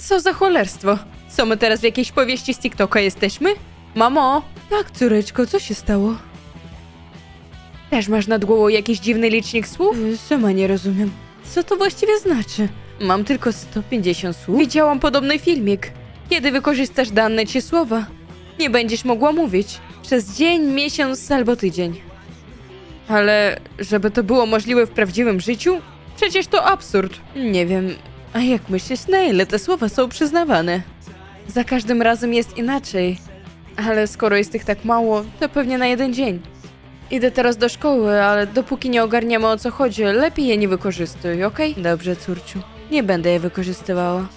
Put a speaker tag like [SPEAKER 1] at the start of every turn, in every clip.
[SPEAKER 1] Co za cholerstwo? Co my teraz w jakiejś powieści z TikToka jesteśmy? Mamo! Tak, córeczko, co się stało? Też masz nad głową jakiś dziwny licznik słów? Sama nie rozumiem. Co to właściwie znaczy? Mam tylko 150 słów. Widziałam podobny filmik. Kiedy wykorzystasz dane ci słowa, nie będziesz mogła mówić. Przez dzień, miesiąc albo tydzień. Ale żeby to było możliwe w prawdziwym życiu? Przecież to absurd. Nie wiem, a jak myślisz, na ile te słowa są przyznawane? Za każdym razem jest inaczej. Ale skoro jest ich tak mało, to pewnie na jeden dzień. Idę teraz do szkoły, ale dopóki nie ogarniemy o co chodzi, lepiej je nie wykorzystuj, okej? Dobrze, córciu. Nie będę je wykorzystywała.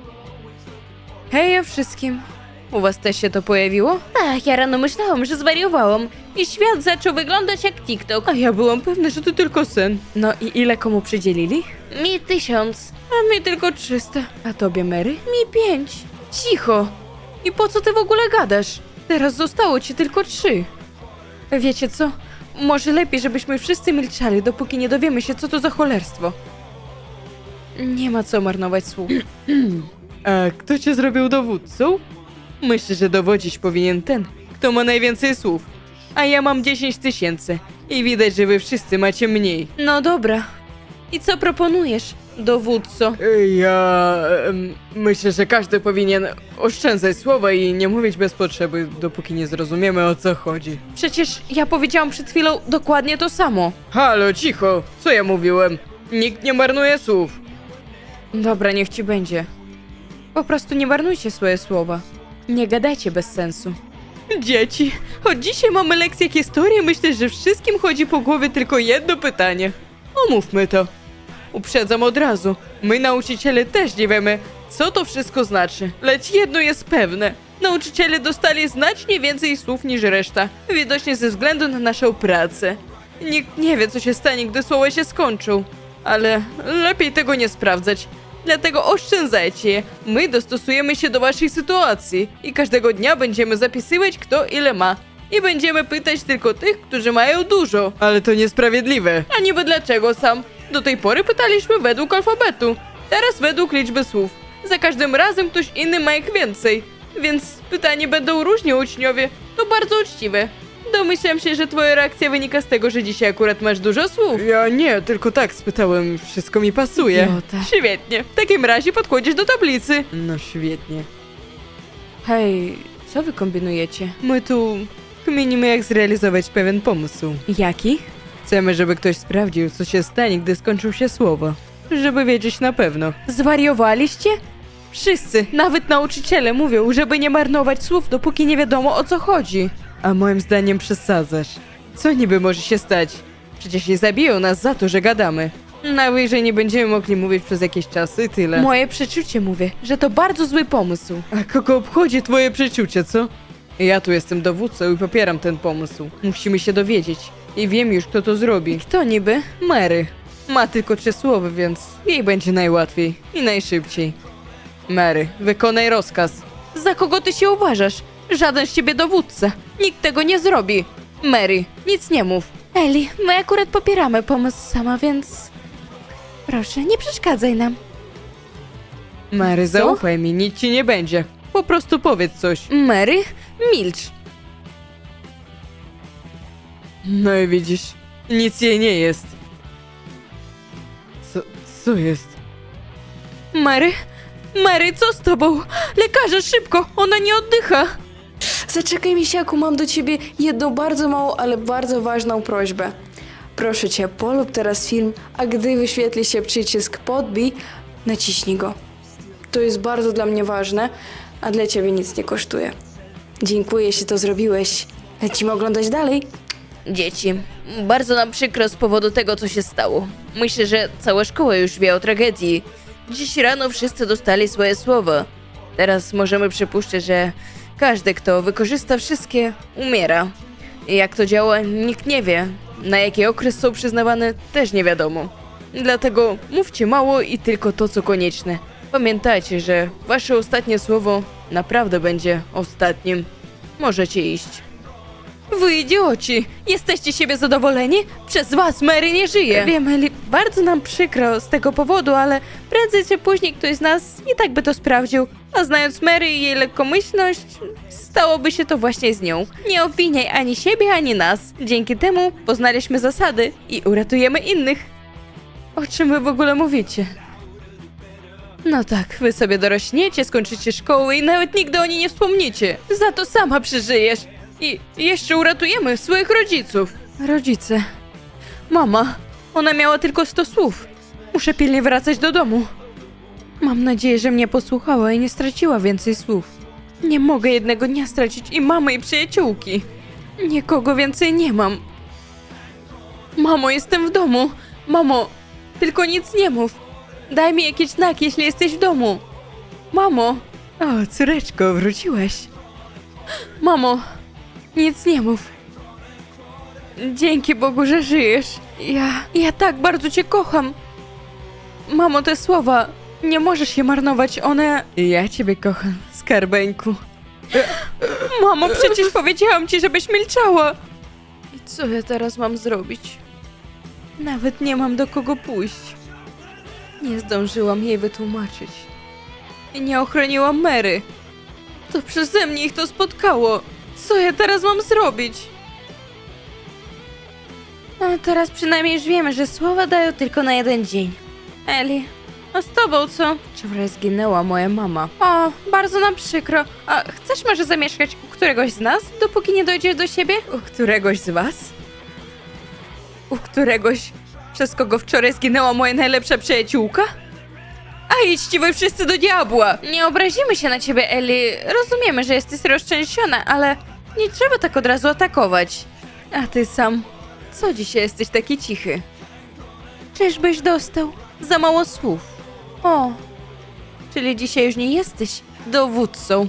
[SPEAKER 1] Hej wszystkim. U was też się to pojawiło?
[SPEAKER 2] Tak, ja rano myślałam, że zwariowałam i świat zaczął wyglądać jak TikTok.
[SPEAKER 1] A ja byłam pewna, że to tylko sen. No i ile komu przydzielili?
[SPEAKER 2] Mi 1000.
[SPEAKER 1] A mi tylko 300. A tobie, Mary? Mi 5. Cicho. I po co ty w ogóle gadasz? Teraz zostało ci tylko 3. Wiecie co? Może lepiej, żebyśmy wszyscy milczali, dopóki nie dowiemy się, co to za cholerstwo. Nie ma co marnować słów. A kto cię zrobił dowódcą? Myślę, że dowodzić powinien ten, kto ma najwięcej słów. A ja mam 10 000 i widać, że wy wszyscy macie mniej. No dobra. I co proponujesz, dowódco? Myślę, że każdy powinien oszczędzać słowa i nie mówić bez potrzeby, dopóki nie zrozumiemy, o co chodzi. Przecież ja powiedziałam przed chwilą dokładnie to samo. Halo, cicho! Co ja mówiłem? Nikt nie marnuje słów. Dobra, niech ci będzie. Po prostu nie marnujcie swoje słowa. Nie gadajcie bez sensu. Dzieci, od dzisiaj mamy lekcję historii. Myślę, że wszystkim chodzi po głowie tylko jedno pytanie. Omówmy to. Uprzedzam od razu. My, nauczyciele, też nie wiemy, co to wszystko znaczy. Lecz jedno jest pewne. Nauczyciele dostali znacznie więcej słów niż reszta. Widocznie ze względu na naszą pracę. Nikt nie wie, co się stanie, gdy słowa się skończą. Ale lepiej tego nie sprawdzać. Dlatego oszczędzajcie je. My dostosujemy się do waszej sytuacji i każdego dnia będziemy zapisywać, kto ile ma. I będziemy pytać tylko tych, którzy mają dużo. Ale to niesprawiedliwe. A niby dlaczego sam? Do tej pory pytaliśmy według alfabetu. Teraz według liczby słów. Za każdym razem ktoś inny ma ich więcej. Więc pytanie będą różni uczniowie. To bardzo uczciwe. Domyślam się, że twoja reakcja wynika z tego, że dzisiaj akurat masz dużo słów. Ja nie, tylko tak spytałem. Wszystko mi pasuje. Świetnie. W takim razie podchodzisz do tablicy. No świetnie. Hej, co wy kombinujecie? My tu kminimy, jak zrealizować pewien pomysł. Jaki? Chcemy, żeby ktoś sprawdził, co się stanie, gdy skończą się słowa. Żeby wiedzieć na pewno. Zwariowaliście? Wszyscy, nawet nauczyciele mówią, żeby nie marnować słów, dopóki nie wiadomo, o co chodzi. A moim zdaniem przesadzasz. Co niby może się stać? Przecież nie zabiją nas za to, że gadamy. Najwyżej nie będziemy mogli mówić przez jakiś czas i tyle. Moje przeczucie mówię, że to bardzo zły pomysł. A kogo obchodzi twoje przeczucie, co? Ja tu jestem dowódcą i popieram ten pomysł. Musimy się dowiedzieć. I wiem już, kto to zrobi. Kto niby? Mary. Ma tylko 3 słowa, więc jej będzie najłatwiej i najszybciej. Mary, wykonaj rozkaz. Za kogo ty się uważasz? Żaden z ciebie dowódca. Nikt tego nie zrobi. Mary, nic nie mów. Eli, my akurat popieramy pomysł sama, więc... Proszę, nie przeszkadzaj nam. Mary, zaufaj mi, nic ci nie będzie. Po prostu powiedz coś. Mary, milcz. No i widzisz, nic jej nie jest. Co jest? Mary? Mary, co z tobą? Lekarze, szybko! Ona nie oddycha!
[SPEAKER 3] Zaczekaj, misiaku, mam do ciebie jedną bardzo małą, ale bardzo ważną prośbę. Proszę cię, polub teraz film, a gdy wyświetli się przycisk podbij, naciśnij go. To jest bardzo dla mnie ważne, a dla ciebie nic nie kosztuje. Dziękuję, jeśli to zrobiłeś. Lecimy oglądać dalej.
[SPEAKER 2] Dzieci, bardzo nam przykro z powodu tego, co się stało. Myślę, że cała szkoła już wie o tragedii. Dziś rano wszyscy dostali swoje słowa. Teraz możemy przypuszczać, że każdy, kto wykorzysta wszystkie, umiera. I jak to działa, nikt nie wie. Na jaki okres są przyznawane, też nie wiadomo. Dlatego mówcie mało i tylko to, co konieczne. Pamiętajcie, że wasze ostatnie słowo naprawdę będzie ostatnim. Możecie iść.
[SPEAKER 1] Wy idioci! Jesteście siebie zadowoleni? Przez was Mary nie żyje! Wiem, Eli, bardzo nam przykro z tego powodu, ale prędzej czy później ktoś z nas i tak by to sprawdził. A znając Mary i jej lekkomyślność, stałoby się to właśnie z nią. Nie obwiniaj ani siebie, ani nas. Dzięki temu poznaliśmy zasady i uratujemy innych. O czym wy w ogóle mówicie? No tak, wy sobie dorośniecie, skończycie szkołę i nawet nigdy o niej nie wspomniecie. Za to sama przeżyjesz. I jeszcze uratujemy swoich rodziców. Rodzice. Mama, ona miała tylko 100 słów. Muszę pilnie wracać do domu. Mam nadzieję, że mnie posłuchała i nie straciła więcej słów. Nie mogę jednego dnia stracić i mamy i przyjaciółki. Nikogo więcej nie mam. Mamo, jestem w domu. Mamo, tylko nic nie mów. Daj mi jakiś znak, jeśli jesteś w domu. Mamo. O, córeczko, wróciłaś. Mamo, nic nie mów. Dzięki Bogu, że żyjesz. Ja tak bardzo cię kocham. Mamo, te słowa, nie możesz je marnować, one... Ja ciebie kocham, skarbeńku. Mamo, przecież powiedziałam ci, żebyś milczała. I co ja teraz mam zrobić? Nawet nie mam do kogo pójść. Nie zdążyłam jej wytłumaczyć. I nie ochroniłam Mary. To przeze mnie ich to spotkało. Co ja teraz mam zrobić? A teraz przynajmniej już wiemy, że słowa dają tylko na jeden dzień. Eli, a z tobą co? Wczoraj zginęła moja mama. O, bardzo nam przykro. A chcesz może zamieszkać u któregoś z nas, dopóki nie dojdziesz do siebie? U któregoś z was? U któregoś, przez kogo wczoraj zginęła moja najlepsza przyjaciółka? A idźcie wy wszyscy do diabła! Nie obrazimy się na ciebie, Eli. Rozumiemy, że jesteś roztrzęsiona, ale nie trzeba tak od razu atakować. A ty sam, co dzisiaj jesteś taki cichy? Czyżbyś dostał za mało słów? O, czyli dzisiaj już nie jesteś dowódcą.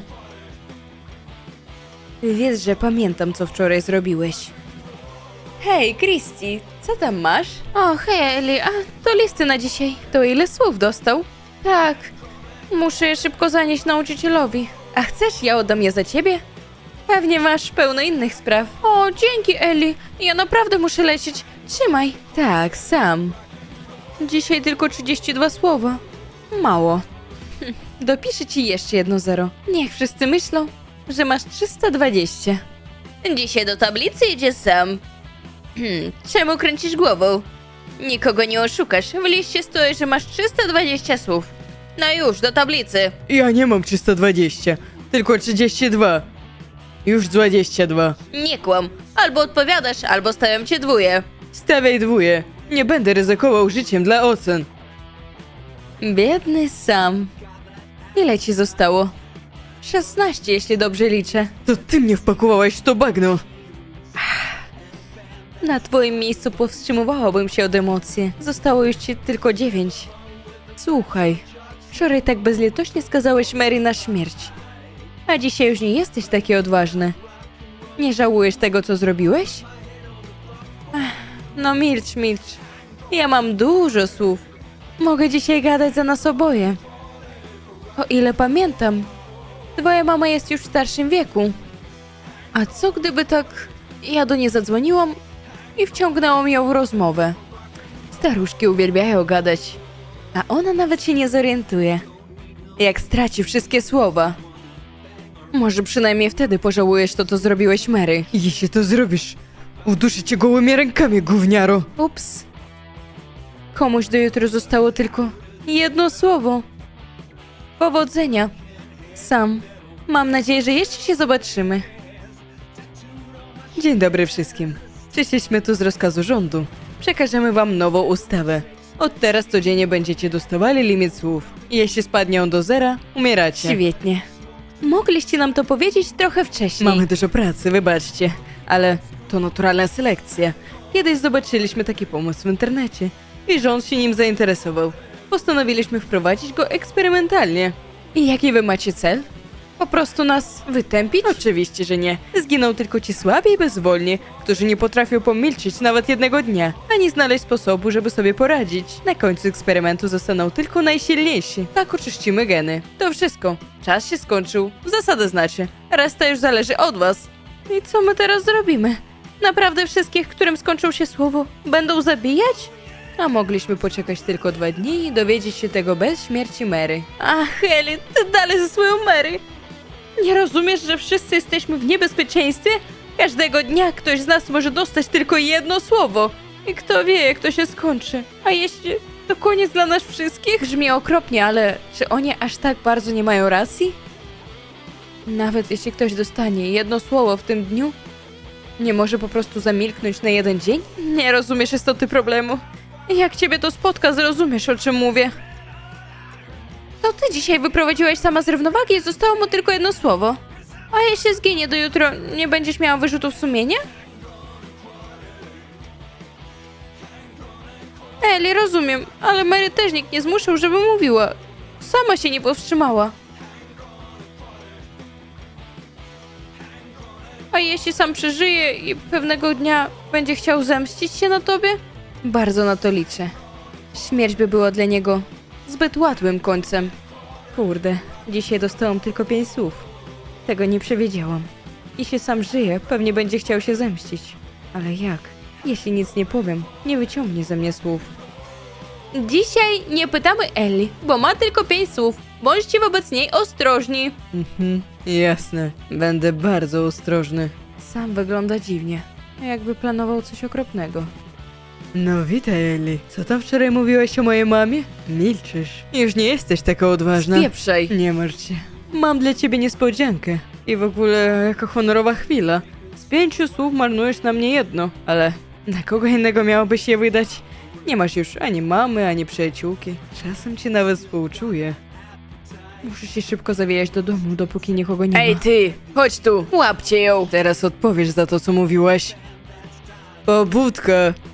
[SPEAKER 1] Wiesz, że pamiętam, co wczoraj zrobiłeś. Hej, Christy, co tam masz? O, hej, Eli, a to listy na dzisiaj. To ile słów dostał? Tak, muszę je szybko zanieść nauczycielowi. A chcesz, ja oddam je za ciebie? Pewnie masz pełno innych spraw. O, dzięki, Eli. Ja naprawdę muszę lecieć. Trzymaj. Tak, sam. Dzisiaj tylko 32 słowa. Mało. Dopiszę ci jeszcze 1-0. Niech wszyscy myślą, że masz 320.
[SPEAKER 2] Dzisiaj do tablicy idzie sam. Czemu kręcisz głową? Nikogo nie oszukasz. W liście stoi, że masz 320 słów. No już, do tablicy.
[SPEAKER 1] Ja nie mam 320, tylko 32. Już 22.
[SPEAKER 2] Nie kłam. Albo odpowiadasz, albo stawiam cię dwóje.
[SPEAKER 1] Stawiaj dwóje. Nie będę ryzykował życiem dla ocen. Biedny sam. Ile ci zostało? 16, jeśli dobrze liczę. To ty mnie wpakowałeś w to bagno. Na twoim miejscu powstrzymywałabym się od emocji. Zostało już ci tylko 9. Słuchaj, wczoraj tak bezlitośnie skazałeś Mary na śmierć. A dzisiaj już nie jesteś taki odważny. Nie żałujesz tego, co zrobiłeś? No milcz, milcz. Ja mam dużo słów. Mogę dzisiaj gadać za nas oboje. O ile pamiętam, twoja mama jest już w starszym wieku. A co gdyby tak... Ja do niej zadzwoniłam i wciągnęłam ją w rozmowę. Staruszki uwielbiają gadać, a ona nawet się nie zorientuje, jak straci wszystkie słowa. Może przynajmniej wtedy pożałujesz to, co zrobiłeś, Mary. Jeśli to zrobisz, uduszę cię gołymi rękami, gówniaro. Ups. Komuś do jutra zostało tylko jedno słowo. Powodzenia. Sam. Mam nadzieję, że jeszcze się zobaczymy. Dzień dobry wszystkim. Przyszliśmy tu z rozkazu rządu. Przekażemy wam nową ustawę. Od teraz codziennie będziecie dostawali limit słów. Jeśli spadnie on do 0, umieracie. Świetnie. Mogliście nam to powiedzieć trochę wcześniej. Mamy dużo pracy, wybaczcie. Ale to naturalna selekcja. Kiedyś zobaczyliśmy taki pomysł w internecie i rząd się nim zainteresował. Postanowiliśmy wprowadzić go eksperymentalnie. I jaki wy macie cel? Po prostu nas wytępić? Oczywiście, że nie. Zginą tylko ci słabi i bezwolni, którzy nie potrafią pomilczeć nawet jednego dnia, ani znaleźć sposobu, żeby sobie poradzić. Na końcu eksperymentu zostaną tylko najsilniejsi. Tak oczyścimy geny. To wszystko. Czas się skończył. Zasada znaczy. Reszta już zależy od was.
[SPEAKER 2] I co my teraz zrobimy? Naprawdę wszystkich, którym skończył się słowo, będą zabijać?
[SPEAKER 1] A mogliśmy poczekać tylko 2 dni i dowiedzieć się tego bez śmierci Mary.
[SPEAKER 2] Ach, Ellie, ty dalej ze swoją Mary. Nie rozumiesz, że wszyscy jesteśmy w niebezpieczeństwie? Każdego dnia ktoś z nas może dostać tylko jedno słowo. I kto wie, jak to się skończy. A jeśli to koniec dla nas wszystkich?
[SPEAKER 1] Brzmi okropnie, ale czy oni aż tak bardzo nie mają racji? Nawet jeśli ktoś dostanie jedno słowo w tym dniu, nie może po prostu zamilknąć na 1 dzień?
[SPEAKER 2] Nie rozumiesz istoty problemu. Jak ciebie to spotka, zrozumiesz, o czym mówię. To ty dzisiaj wyprowadziłeś sama z równowagi i zostało mu tylko jedno słowo. A jeśli zginie do jutro, nie będziesz miała wyrzutów sumienia? Eli, rozumiem, ale Mary też nikt nie zmuszał, żeby mówiła. Sama się nie powstrzymała. A jeśli sam przeżyje i pewnego dnia będzie chciał zemścić się na tobie?
[SPEAKER 1] Bardzo na to liczę. Śmierć by była dla niego zbyt łatwym końcem. Kurde, dzisiaj dostałam tylko 5 słów. Tego nie przewidziałam. Jeśli sam żyje, pewnie będzie chciał się zemścić. Ale jak? Jeśli nic nie powiem, nie wyciągnie ze mnie słów.
[SPEAKER 2] Dzisiaj nie pytamy Ellie, bo ma tylko 5 słów. Bądźcie wobec niej ostrożni.
[SPEAKER 1] Jasne. Będę bardzo ostrożny. Sam wygląda dziwnie. Jakby planował coś okropnego. No witaj, Ellie. Co tam wczoraj mówiłaś o mojej mamie? Milczysz. Już nie jesteś taka odważna.
[SPEAKER 2] Spieprzaj.
[SPEAKER 1] Nie martw się. Mam dla ciebie niespodziankę. I w ogóle jaka honorowa chwila. Z 5 słów marnujesz na mnie jedno. Ale na kogo innego miałobyś je wydać? Nie masz już ani mamy, ani przyjaciółki. Czasem cię nawet współczuję. Muszę się szybko zawijać do domu, dopóki nikogo nie ma.
[SPEAKER 2] Ej ty, chodź tu, łapcie ją.
[SPEAKER 1] Teraz odpowiesz za to, co mówiłaś. Pobudka.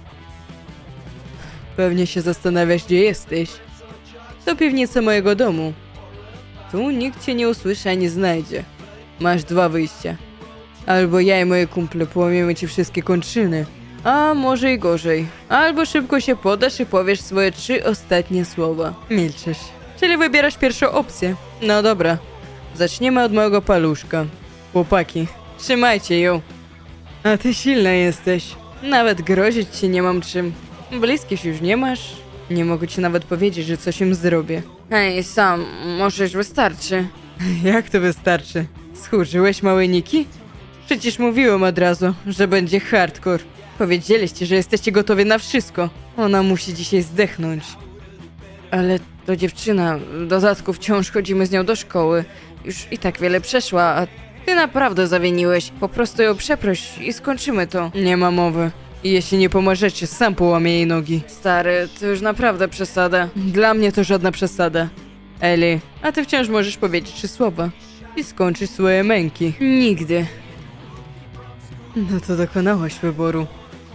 [SPEAKER 1] Pewnie się zastanawiasz, gdzie jesteś. To piwnica mojego domu. Tu nikt cię nie usłyszy ani znajdzie. Masz 2 wyjścia. Albo ja i moje kumple połamiemy ci wszystkie kończyny. A może i gorzej. Albo szybko się podasz i powiesz swoje 3 ostatnie słowa. Milczysz. Czyli wybierasz pierwszą opcję. No dobra. Zaczniemy od mojego paluszka. Chłopaki, trzymajcie ją. A ty silna jesteś. Nawet grozić ci nie mam czym. Bliskich już nie masz. Nie mogę ci nawet powiedzieć, że coś im zrobię.
[SPEAKER 2] Ej, sam, może już wystarczy.
[SPEAKER 1] Jak to wystarczy? Schurzyłeś małe Niki? Przecież mówiłem od razu, że będzie hardcore. Powiedzieliście, że jesteście gotowi na wszystko. Ona musi dzisiaj zdechnąć. Ale to dziewczyna, w dodatku wciąż chodzimy z nią do szkoły. Już i tak wiele przeszła, a ty naprawdę zawiniłeś. Po prostu ją przeproś i skończymy to. Nie ma mowy. I jeśli nie pomożecie, sam połamię jej nogi. Stary, to już naprawdę przesada. Dla mnie to żadna przesada. Eli, a ty wciąż możesz powiedzieć 3 słowa. I skończyć swoje męki. Nigdy. No to dokonałaś wyboru.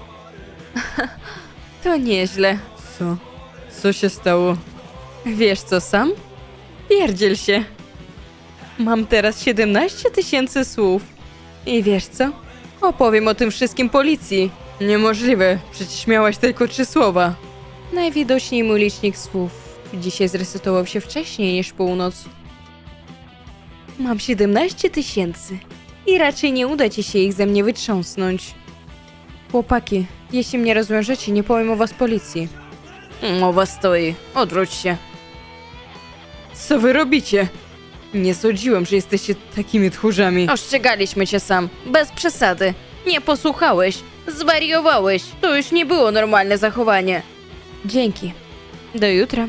[SPEAKER 2] To nieźle.
[SPEAKER 1] Co? Co się stało?
[SPEAKER 2] Wiesz co, sam?
[SPEAKER 1] Pierdziel się. Mam teraz 17 000 słów. I wiesz co? Opowiem o tym wszystkim policji. Niemożliwe, przecież miałaś tylko 3 słowa. Najwidoczniej mój licznik słów dzisiaj zresetował się wcześniej niż północ. Mam 17 000 i raczej nie uda ci się ich ze mnie wytrząsnąć. Chłopaki, jeśli mnie rozwiążecie, nie powiem o was policji.
[SPEAKER 2] Mowa stoi, odwróć się.
[SPEAKER 1] Co wy robicie? Nie sądziłem, że jesteście takimi tchórzami.
[SPEAKER 2] Ostrzegaliśmy cię sam, bez przesady. Nie posłuchałeś, zwariowałeś. To już nie było normalne zachowanie.
[SPEAKER 1] Dzięki. Do jutra.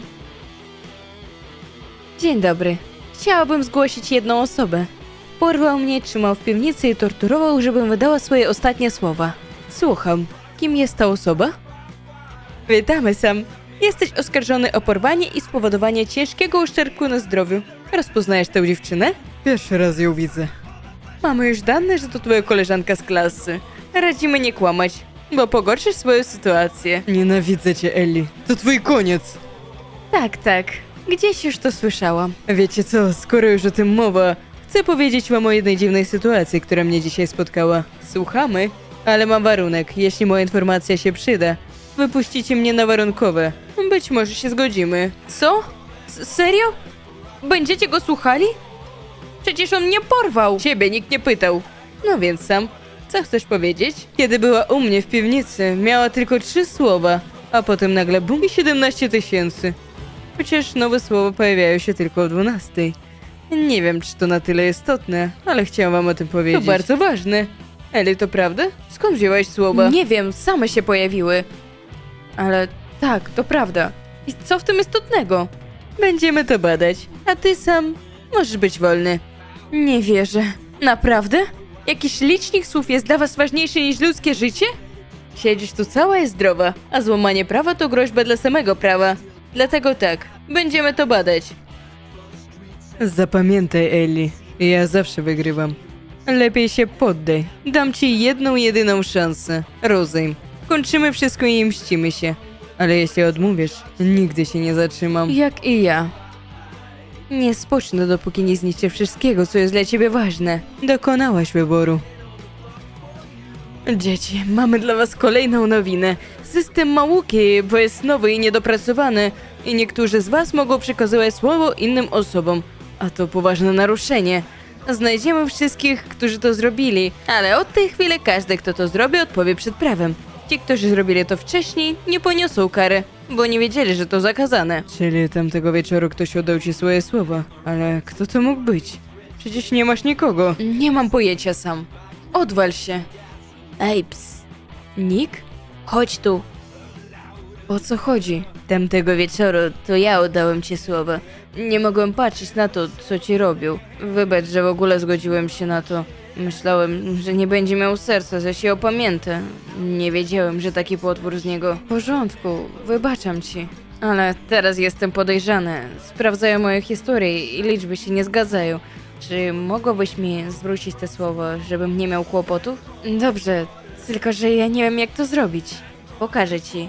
[SPEAKER 1] Dzień dobry. Chciałabym zgłosić jedną osobę. Porwał mnie, trzymał w piwnicy i torturował, żebym wydała swoje ostatnie słowa. Słucham. Kim jest ta osoba? Witamy, Sam. Jesteś oskarżony o porwanie i spowodowanie ciężkiego uszczerbku na zdrowiu. Rozpoznajesz tę dziewczynę? Pierwszy raz ją widzę. Mamy już dane, że to twoja koleżanka z klasy. Radzimy nie kłamać, bo pogorszysz swoją sytuację. Nienawidzę cię, Ellie. To twój koniec. Tak, tak. Gdzieś już to słyszałam. Wiecie co, skoro już o tym mowa, chcę powiedzieć wam o jednej dziwnej sytuacji, która mnie dzisiaj spotkała. Słuchamy, ale mam warunek. Jeśli moja informacja się przyda, wypuścicie mnie na warunkowe. Być może się zgodzimy.
[SPEAKER 2] Co? Serio? Będziecie go słuchali? Przecież on mnie porwał.
[SPEAKER 1] Ciebie nikt nie pytał. No więc Sam, co chcesz powiedzieć? Kiedy była u mnie w piwnicy, miała tylko 3 słowa, a potem nagle bum i 17 000. Chociaż nowe słowa pojawiają się tylko o 12. Nie wiem, czy to na tyle istotne, ale chciałam wam o tym powiedzieć. To bardzo ważne. Eli, to prawda? Skąd wzięłaś słowa?
[SPEAKER 2] Nie wiem, same się pojawiły.
[SPEAKER 1] Ale tak, to prawda. I co w tym istotnego? Będziemy to badać, a ty Sam możesz być wolny.
[SPEAKER 2] Nie wierzę. Naprawdę?
[SPEAKER 1] Jakiś licznik słów jest dla was ważniejszy niż ludzkie życie? Siedzisz tu cała i zdrowa, a złamanie prawa to groźba dla samego prawa. Dlatego tak, będziemy to badać. Zapamiętaj, Ellie, ja zawsze wygrywam. Lepiej się poddaj. Dam ci jedną, jedyną szansę. Rozejm. Kończymy wszystko i mścimy się. Ale jeśli odmówisz, nigdy się nie zatrzymam.
[SPEAKER 2] Jak i ja.
[SPEAKER 1] Nie spocznę, dopóki nie zniszczę wszystkiego, co jest dla ciebie ważne. Dokonałaś wyboru. Dzieci, mamy dla was kolejną nowinę. System ma łuki, bo jest nowy i niedopracowany. I niektórzy z was mogą przekazywać słowo innym osobom. A to poważne naruszenie. Znajdziemy wszystkich, którzy to zrobili. Ale od tej chwili każdy, kto to zrobi, odpowie przed prawem. Ci, którzy zrobili to wcześniej, nie poniosą kary, bo nie wiedzieli, że to zakazane. Czyli tamtego wieczoru ktoś oddał ci swoje słowa. Ale kto to mógł być? Przecież nie masz nikogo.
[SPEAKER 2] Nie mam pojęcia, Sam.
[SPEAKER 1] Odwal się.
[SPEAKER 2] Ej, ps.
[SPEAKER 1] Nick?
[SPEAKER 2] Chodź tu.
[SPEAKER 1] O co chodzi?
[SPEAKER 2] Tamtego wieczoru to ja oddałem ci słowa. Nie mogłem patrzeć na to, co ci robił. Wybacz, że w ogóle zgodziłem się na to. Myślałem, że nie będzie miał serca, że się opamięta. Nie wiedziałem, że taki potwór z niego.
[SPEAKER 1] W porządku, wybaczam ci.
[SPEAKER 2] Ale teraz jestem podejrzany. Sprawdzają moją historię i liczby się nie zgadzają. Czy mogłabyś mi zwrócić te słowa, żebym nie miał kłopotów?
[SPEAKER 1] Dobrze, tylko że ja nie wiem jak to zrobić.
[SPEAKER 2] Pokażę ci.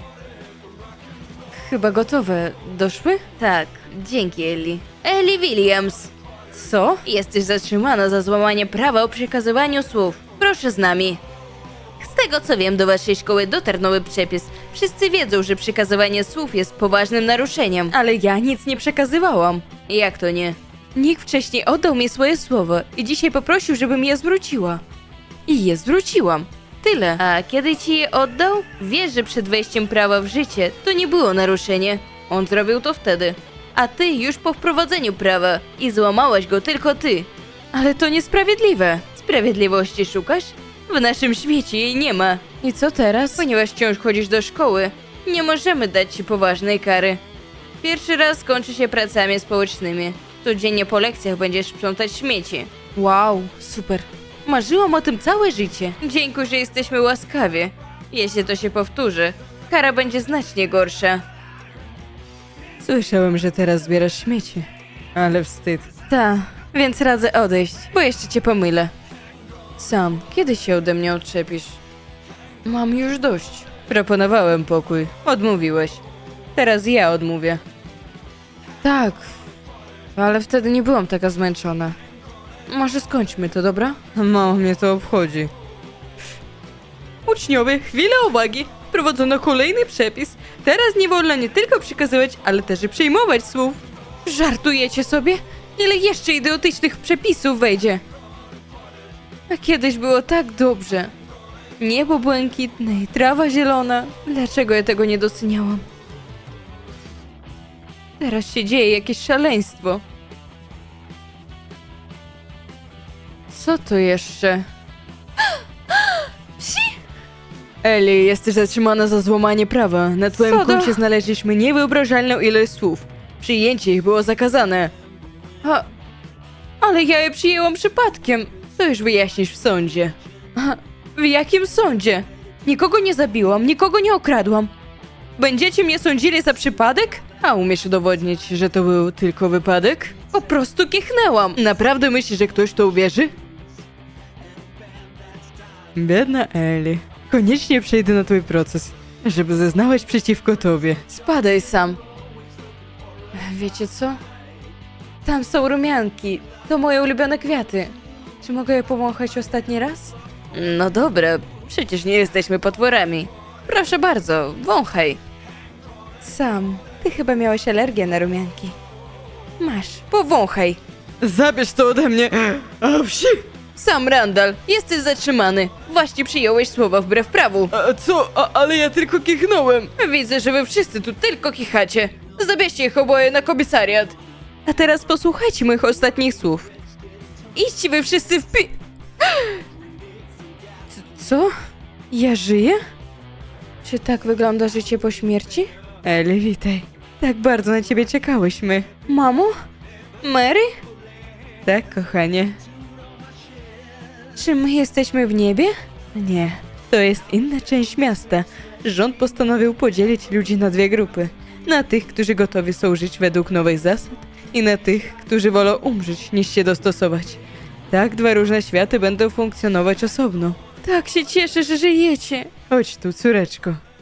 [SPEAKER 1] Chyba gotowe. Doszły?
[SPEAKER 2] Tak, dzięki Ellie. Ellie Williams!
[SPEAKER 1] Co?
[SPEAKER 2] Jesteś zatrzymana za złamanie prawa o przekazywaniu słów. Proszę z nami. Z tego co wiem, do waszej szkoły dotarł nowy przepis. Wszyscy wiedzą, że przekazywanie słów jest poważnym naruszeniem.
[SPEAKER 1] Ale ja nic nie przekazywałam.
[SPEAKER 2] Jak to nie?
[SPEAKER 1] Nikt wcześniej oddał mi swoje słowa i dzisiaj poprosił, żebym je zwróciła. I je zwróciłam. Tyle.
[SPEAKER 2] A kiedy ci je oddał? Wiesz, że przed wejściem prawa w życie to nie było naruszenie. On zrobił to wtedy. A ty już po wprowadzeniu prawa. I złamałaś go tylko ty.
[SPEAKER 1] Ale to niesprawiedliwe.
[SPEAKER 2] Sprawiedliwości szukasz? W naszym świecie jej nie ma.
[SPEAKER 1] I co teraz?
[SPEAKER 2] Ponieważ wciąż chodzisz do szkoły, nie możemy dać ci poważnej kary. Pierwszy raz kończy się pracami społecznymi. Codziennie po lekcjach będziesz sprzątać śmieci.
[SPEAKER 1] Wow, super. Marzyłam o tym całe życie.
[SPEAKER 2] Dziękuję, że jesteśmy łaskawi. Jeśli to się powtórzy, kara będzie znacznie gorsza.
[SPEAKER 1] Słyszałem, że teraz zbierasz śmieci. Ale wstyd. Ta, więc radzę odejść, bo jeszcze cię pomylę. Sam, kiedy się ode mnie odczepisz? Mam już dość. Proponowałem pokój. Odmówiłeś. Teraz ja odmówię. Tak, ale wtedy nie byłam taka zmęczona. Może skończmy to, dobra? Mało mnie to obchodzi. Uczniowie, chwila uwagi! Wprowadzono kolejny przepis. Teraz nie wolno nie tylko przekazywać, ale też i przyjmować słów. Żartujecie sobie? Ile jeszcze idiotycznych przepisów wejdzie? A kiedyś było tak dobrze. Niebo błękitne i trawa zielona. Dlaczego ja tego nie doceniałam? Teraz się dzieje jakieś szaleństwo. Co to jeszcze? Eli, jesteś zatrzymana za złamanie prawa. Na twoim
[SPEAKER 2] Co do-
[SPEAKER 1] koncie znaleźliśmy niewyobrażalną ilość słów. Przyjęcie ich było zakazane. Ale ja je przyjęłam przypadkiem. To już wyjaśnisz w sądzie. W jakim sądzie? Nikogo nie zabiłam, nikogo nie okradłam. Będziecie mnie sądzili za przypadek? A umiesz udowodnić, że to był tylko wypadek? Po prostu kichnęłam. Naprawdę myślisz, że ktoś to uwierzy? Biedna Eli. Koniecznie przejdę na twój proces, żeby zeznałaś przeciwko tobie. Spadaj sam. Wiecie co? Tam są rumianki. To moje ulubione kwiaty. Czy mogę je powąchać ostatni raz?
[SPEAKER 2] No dobra, przecież nie jesteśmy potworami. Proszę bardzo, wąchaj.
[SPEAKER 1] Sam, ty chyba miałeś alergię na rumianki. Masz, powąchaj. Zabierz to ode mnie. A wsi!
[SPEAKER 2] Sam Randall, jesteś zatrzymany. Właśnie przyjąłeś słowa wbrew prawu.
[SPEAKER 1] A co? Ale ja tylko kichnąłem.
[SPEAKER 2] Widzę, że wy wszyscy tu tylko kichacie. Zabierzcie ich oboje na komisariat. A teraz posłuchajcie moich ostatnich słów. Idźcie wy wszyscy w pi...
[SPEAKER 1] Co? Ja żyję? Czy tak wygląda życie po śmierci? Eli, witaj. Tak bardzo na ciebie czekałyśmy.
[SPEAKER 2] Mamo? Mary?
[SPEAKER 1] Tak, kochanie.
[SPEAKER 2] Czy my jesteśmy w niebie?
[SPEAKER 1] Nie, to jest inna część miasta. Rząd postanowił podzielić ludzi na dwie grupy. Na tych, którzy gotowi są żyć według nowych zasad i na tych, którzy wolą umrzeć niż się dostosować. Tak, dwa różne światy będą funkcjonować osobno.
[SPEAKER 2] Tak się cieszę, że żyjecie.
[SPEAKER 1] Chodź tu, córeczko.